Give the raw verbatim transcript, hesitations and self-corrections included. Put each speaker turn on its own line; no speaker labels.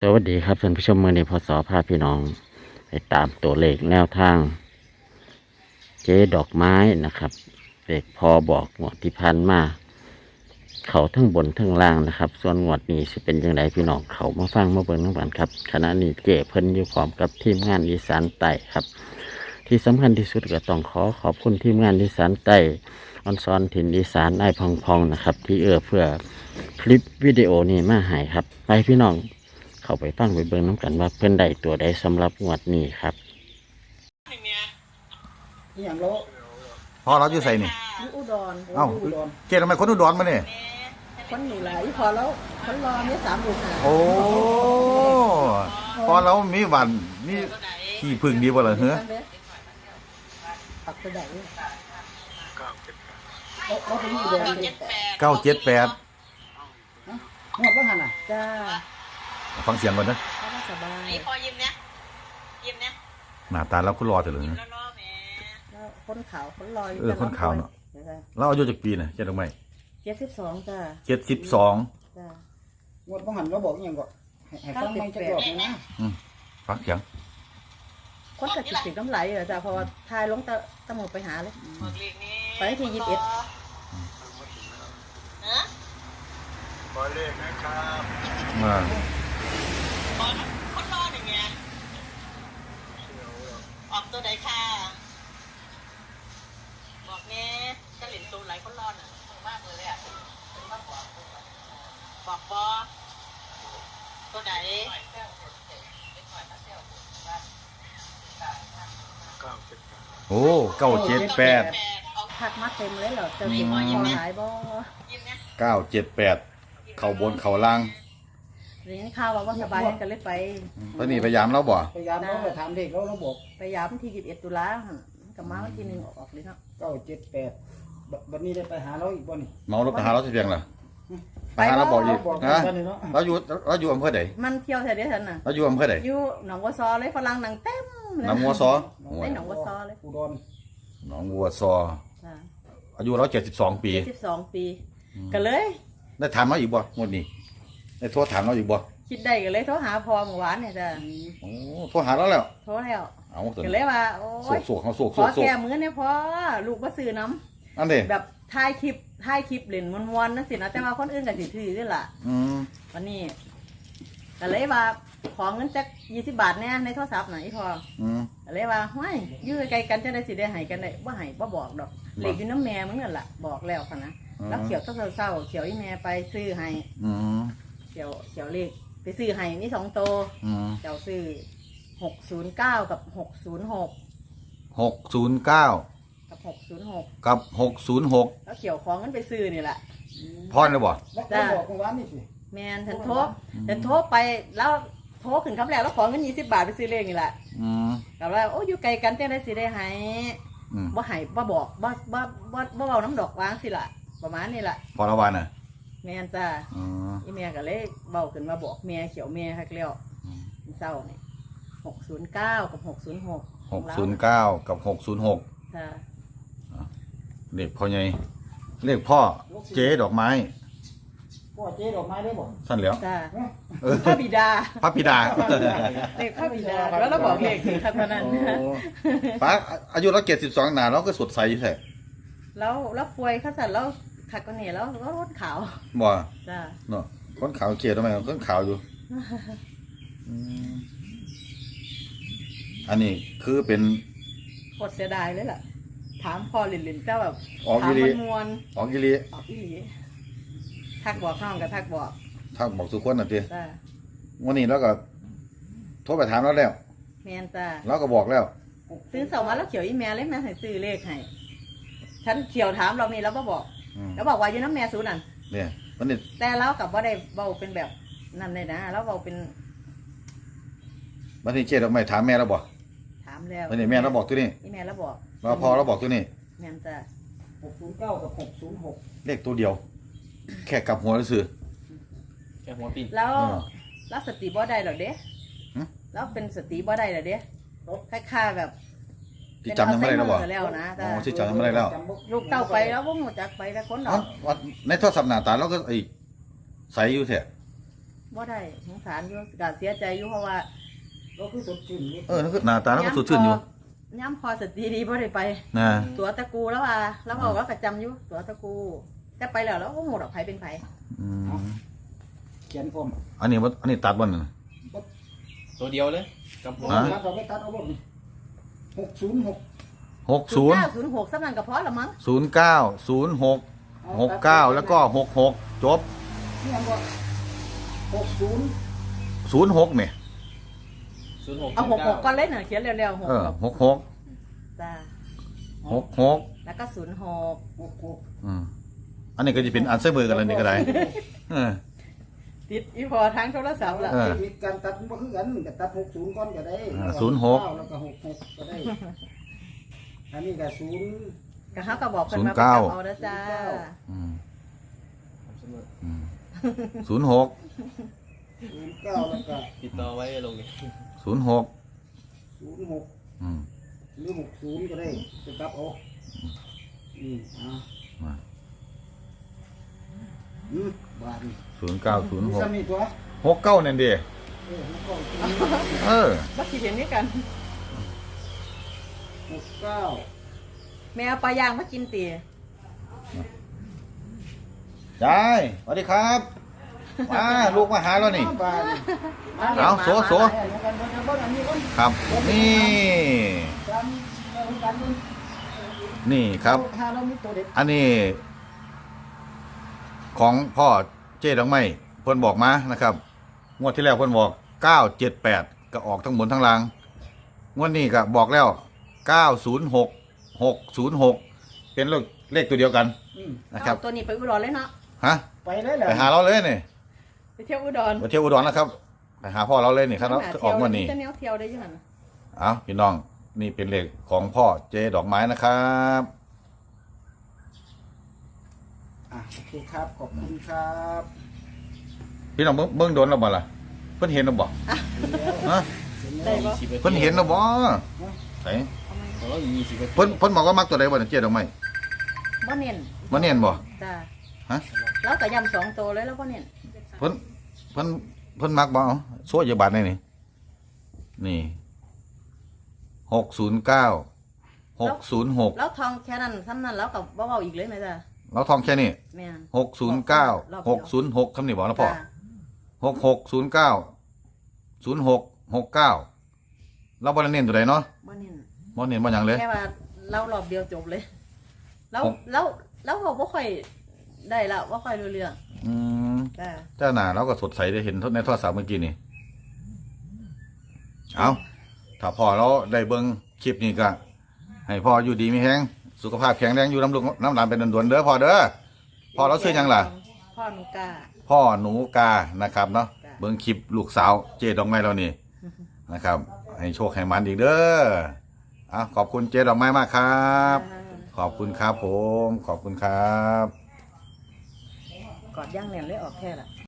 สวัสดีครับท่านผู้ชมเมื่อนี้พศพาพี่น้องไปตามตัวเลขแนวทางเจ๊ดอกไม้นะครับเลขพอบอกงวดที่พันมาเขาทั้งบนทั้งล่างนะครับ ส่วนงวดนี้จะเป็นยังไงพี่น้องเขามาฟังมาเบิ่งน้ำกันครับขณะนี้เจ๊เพิ่นอยู่พร้อมกับทีมงานอีสานใต้ครับ ที่สำคัญที่สุดก็ต้องขอขอบคุณทีมงานอีสานใต้ออนซอนถิ่นอีสานไอ้พองพองนะครับ ที่เอื้อเพื่อคลิปวิดีโอนี้มาให้ครับไปพี่น้อง เข้าไปฟังไปเบิ่งน้ำกันว่าเพิ่นได้ตัวใดสำหรับงวดนี้ครับ
นี่อย่างโล
พ่อเราอยู่ใส่นี่
อยู่อุดร
เอ้า
อุดร
เกดทำไมคนอุดรมาเนี่ย
คนหนีหลายพอแล้วคนรอเนี่ยสามลูกหา
โอ้พอเรามีหวันมีขี้พึ่งดีบ่ล่ะเฮ้อ
ปักกระได
เราเราเป็นอุดรเลย
เก้าเจ็ดแปด
หมดบ้างหันอ่ะ
จ้า
ฟังเสียงก่อนนะ
เพราะว่าสบาย
นี่พอยิ้มเนี่ยยิ้มเนี่ย
หน้าตาเราคุณรอเถอะเลย
ยิ้ม
นะ
แล้วรอแม่
แล้วคนขาวคนลอย
เออคนขาวเนอะ เราอายุจากปีน่ะเจ็ดทำไม
เจ็ดสิบสองจ้า
เจ็ดสิบสอง
จ้า
หมดบ้างหันเราบอกอยังก็ให้ให้ฟังไม่จะบอกเลยนะ
ฟังเสียง
คนกับจิตสิน้ำไหลเหรอจ้าเพราะว่าทายลงตะตะหมดไปหาเลย
บอกเลขนี้
ไปที่ยี่สิบเอ็ด
ฮะ
อ่า
บอกคนรอหนึ่งไงออกตัวใดค่ะบอกแม่จะเหรียญตัวไหลคนรอน่ะมากเลยอ่ะบอกบอตัวไหน
โอ้เก้าเจ็ดแปด
แปดออก
ทักมาเต็มเลยเหรอเจ้าสิพอหายบ่
ยิ้มเนี่ย
เก้าเจ็ดแปดเข่าบนเข่าล่าง
เรียนข้าวว่าว่าสบายกันเลยไป
ตอนนี้พยายามเราบ่
พยายามเราไปถามเด็กเราเราบอก
ไปยามที่ยี่สิบเอ็ดตุลาหั่นกับมาวันที่หนึ่งออกเลยเนาะ
เก้าเจ็ดแปดบัดนี้ได้ไปหาเราอีกบ่นี่
เมารถไปหาเราสิเพียงเหรอไปหาเราบอกอีก
บอก
นะ
กันนี่เนาะ
เราอยู่เราอยู่อำเภอไหน
มันเที่ยวแถวเดียวกันน่ะ
เราอยู่อำเภอไหน
อยู่หนองวัวซอเลยฝรั่งหนังเต็มเลย
น้ำมัวซอ
ได้หนองวัวซอเลย
อุดร
หนองวัวซอ
จ้า
อายุเราเจ็ดสิบสองปี
สิบสองปีก็เลย
ได้ถามเราอีกบ่งวดนี้ได้โทรถามเราอีกบ่
คิดได้ก็เลยโทรหาพอเมื่อวานเนี่ยจ้ะ
โอ้โทรหาเราแล้ว
โทรแล้ว
เอาตัว
ก็เลยว่าโอ้
โศ
ย
กโศกเขาโศก
ข
โศ
อก
โศก
แก้มือเนี่ยพอลูกมาซื้อน้
อันนี้
ำแบบถ่ายคลิปถ่ายคลิปเล่นมวนๆนั่นสินะแต่ว่าคนอื่นก็สิถือด้วยล่ะ
อืม
วันนี้ก็เลยว่าขอเงินจักยี่สิบบาทเนี่ยในโทรศัพท์หน่อยพอ
อืม
ก็เลยว่าห้วยอยู่ไกลๆกันจะได้สิได้ให้กันได้บ่ให้บ่บอกดอกเหล็กอยู่น้ำแม่มึงนั่นล่ะบอกแล้วค่ะนะแล้วเขียวก็เศร้าๆเขียวอีแม่ไปซื้อให้
อืม
เขียวเขียวเลขไปซื้อให้นี่สองโตว
อืม
เจ้าซื้อหกศูนย์เก้ากับหกศูนย์หก
หกศูนย์เก้า
กับหกศูนย์หก
กับหกศูนย์หก
แล้วเขียวของกันไปซื้อนี่แหละ
พอเลยบ่
แล้วเราบอกเมื่อวานนี่สิ
แมนฉันโทรฉันโทรไปแล้วโทรขึ้นคำแรกแล้วขอเงินยี่สิบบาทไปซื้อเลขนี่แหละ
อืม
แต่ว่าโอ้อยู่ไกลกันจะได้สิได้ให้
อืม
บ่ให้บ่บอกบ่บ่บ่บ่เบาน้ำดอกวางสิล่ะ ประมาณนี้ล่ะ
พอละวันน่ะ
แมนจ้า
อืม
อีแม่ก็เลยเบาขึ้นมาบอกแม่เขียวแม่ฮักแล้วเศร้านี่หกศูนย์เก้ากับหกศูนย์หก
หกศูนย์เก้ากับหกศูนย์หก
จ้า
เลขพ่อใหญ่เลขพ่อเจ๊ดอกไม้
พ่อเจ๊ดอกไม้ได้บอก
สั้นแล้ว
จ้า
เออ
พระบิดา
พระบิดา
เลขพระบิดาแล้วเราบอกเลขถึงขนาดนั้น
โอ้ป้าอายุเราเจ็ดสิบสองหนาเราก็สดใสอยู่แท้
แล้วแล้วป่วยเขาสั่นแล้วขัดกันเนี่ยแล้วก็รถขาว
บ่
จ้า
เนาะคนขาวเกลียดทำไมคนขาวอยู่อืมอันนี้คือเป็น
โคตรเสียดายเลยล่ะ ถามพอหลินหลินเจ้าแบบ
ออก
ถา
อี
ม
หลี
มันมวน
ออกอีหลี
ออกอีหลีทักบอกน้องกับทักบอก
ทักบอกทุกคนน่ะติ
จ้า
วันนี้เราก็โทรไปถามเราแล้ว
แมนจ้า
เราก็บอกแล้ว
ซื้อเสามาแล้วเขียวอีแม่เลยแม่ให้ซื้อเลขให้ฉันเขียวถามเรานี่แล้วก็บอก
อืม
แล้วบอกว่าอยู่น้ำแม่สูนั่น
เนี่ยวันนี้
แต่เรากับว่าได้เบาเป็นแบบนั่นเลยนะแล้วเบาเป็น
วันนี้เจ๊ดอกไม้ถามแม่เราบอก
ถามแล้ว
วันนี้แม่เราบอกตัวนี้
อีแม่แล้วบอก
เราพอเราบอกตัวนี้
แม่นจ้า
หกศูนย์เก้ากับหกศูนย์หก
เลขตัวเดียว แค่กลับหัวซื่อ
แค่หัวปีน
แล้ว
เออ
แล้วสติบ่ได้หรอกเด้
หึ
แล้วเป็นสติบ่ได้หรอกเด้คล้ายๆแบบ
ที่จำยังไม่ได้แล้วบอก
เป็นอัลไซเมอร์แล้วนะ
อ๋
จ้า
อที่จำยังไม่ได้แล้ว
ลูกเต้าไปแล้วว่งจักไปแต่คนดอ
อ๋อก ว่าในโทรศัพท์หน้าตาเราก็ไอ้ใสอยู่แท้
บ่ได้สงสารอยู่ก็เสียใจอยู่เพราะว่า
เราคือสดชื่นนี่
เออนั่นคือหน้าตาแล้วก็สดชื่นอยู่
ย้ำพอสติดีบ่ได้ไป
นะ
ตัวตะกูแล้วว่าแล้วบอกว่าก็จำอยู่ตัวตะกูแต่ไปแล้วแล้วก็หมดออกไผเป็นไผ
อืม
เขียนผม
อันนี้บ่อันนี้ตัดบ่นั่น
ตัวเดียวเลยกับหัว
ฮะ
ตัดเอาไปตัดเอาบ่หกศูนย์หก
หกศูนย์
เก้าศูนย์หกสำนันกับพอละมั้ง
ศูนย์เก้าศูนย์หกหกเก้าแล้วก็หกหกจบ
นี่ยังก็หกศูนย์
ศูนย์หกเนี่ย
ศูนย์หก
เอาหกหกก่อนเล่นน่ะเขียนเร็วๆหก
เออ
หก
หกหก
จ้า
หกหก
แล้วก็ศูนย์หก
หกหก
อืมอันนี้ก็จะเป็นอันเซอร์เบอร์กันแล้วนี่ก็ได้เออ
ติดอีพอทางโทรศัพท์ละ
เออ
เทคนิคการตัดบ่คือกันก็ตัดหกศูนย์ก่อนก็ได้
อ่าศูนย์หก
แล้วก็หกหกก็ได้อันนี้ก็ศูนย์
ก็เขาก็บอกเพิ่น
ศูนย์
มาไป
เก้า
จับเอาเด้อจ้า
อืมอืมศูนย์หก
ศูนย์เก้าแล้วก็
ติดต่อไว้ลงนี่
ศูนย์หก
ศูนย์หก
อืม
หรือหกศูนย์ก็ได้จะตัดเอาอืมอ่า
มา
อืมบาทนี่
ศูนย์เก้าศูนย์
มี
หก
ซ้ำนี่ตัว
หกเก้านั่นดิ
เออหกเก้าศูนย์
เออ
บ่คิดเห็นนี่กัน
หกเก้า
แม่เอาปลาย่างมากินตี
ยายสวัสดีครับมาลูกมาหาแล้วนี่
บาทนี่
เอาโสโส
เดี๋ยวกันเดี๋ยวกันเบิ่งอันนี้ก่อน
ครับ นี่
จำเอากันเบิ่ง
นี่ครับ
หาเรามีตัวเด็ด
อันนี้ ของพ่อเจ๊ดอกไม้เพิ่นบอกมานะครับงวดที่แล้วเพิ่นบอกเก้าเจ็ดแปดก็ออกทั้งบนทั้งล่างงวดนี้ก็บอกแล้วเก้าศูนย์หกหกศูนย์หกเป็นเลขเลขตัวเดียวกัน
อืม
นะครับ
เอาตัวนี้ไปอุดรเลยเนาะ
ฮะ
ไปเลยแหละ
ไปหาเราเลยนี่
ไปเที่ยวอุดร
ไปเที่ยวอุดรนะครับไปหาพ่อเราเลยนี่ครับเราออกงวดนี้
จะแนวเที่ยวได้อยังไง
เอาพี่น้องนี่เป็นเลขของพ่อเจดอกไม้นะครับ
อ่ะโอเคครับขอบคุณครับ
พี่น้องเบิ่งเบิ่งโดนเราบ่ล่ะเพิ่นเห็นเราบ่ฮะ
ได้ปะ
สิบ
เพิ่นเห็นเราบ่ไหน
อ๋อยี่สิบ
เพิ่นเพิ่นบอกว่ามักตัวใดบ่เนี่ยเจดอกไม้
บ่เน้น
มาเนียนบ่
จ้า
ฮะ
แล้วก็ยำสองตัวเลยแล้วบ่เน้น
เพิ่นเพิ่นเพิ่นมักบ่เอาโซ่ยาบาดนี่นี่นี่หกศูนย์เก้าหกศูนย์หก
แล้วทองแค่นั้นซ้ำนั้นแล้วก็บ่เว้าอีกเลยไหมจ้า
เราทองแค่นี้
แม่น
หกศูนย์เก้าร
อบเดี
ห
ยว
กศูนย์หกคำนี้บอกแล้วพ่อ
จ้า
หกหกศูนย์เก้าศูนย์หกหกเก้าเราบ่ได้เน้นตัวใดเนาะ
บ่เน้น
บ่เน้นบ่หยังเลย
แค่ว่าเล่ารอบเดียวจบเลย แล้ว
ผม
แล้วแล้วเราบ่ค่อยได้ละบ่ค่อยรู้เรื่อง
อืม
จ้า
เจ้าหน้าเราก็สดใสได้เห็นในโทรศัพท์เมื่อกี้นี่เอาถ้าพ่อเราได้เบิ่งคลิปนี้ก็ให้พ่ออยู่ดีมีแฮงสุขภาพแข็งแรงอยู่น้ำลูกน้ำหลานเป็นด่วนๆเด้อพ่อเด้อพ่อเราซื้อหยังล่ะ
พ่อหนูกา
พ่อหนูกานะครับเนาะ
จ้ะ
เบิ่งคลิปลูกสาวเจดอกไม้เรานี่นะครับ ให้โชคให้มันอีกเด้ออ่ะขอบคุณเจดอกไม้มากครับ ขอบคุณครับผม ขอบคุณครับ
กอดย่างแหลมเลยออกแค่ละ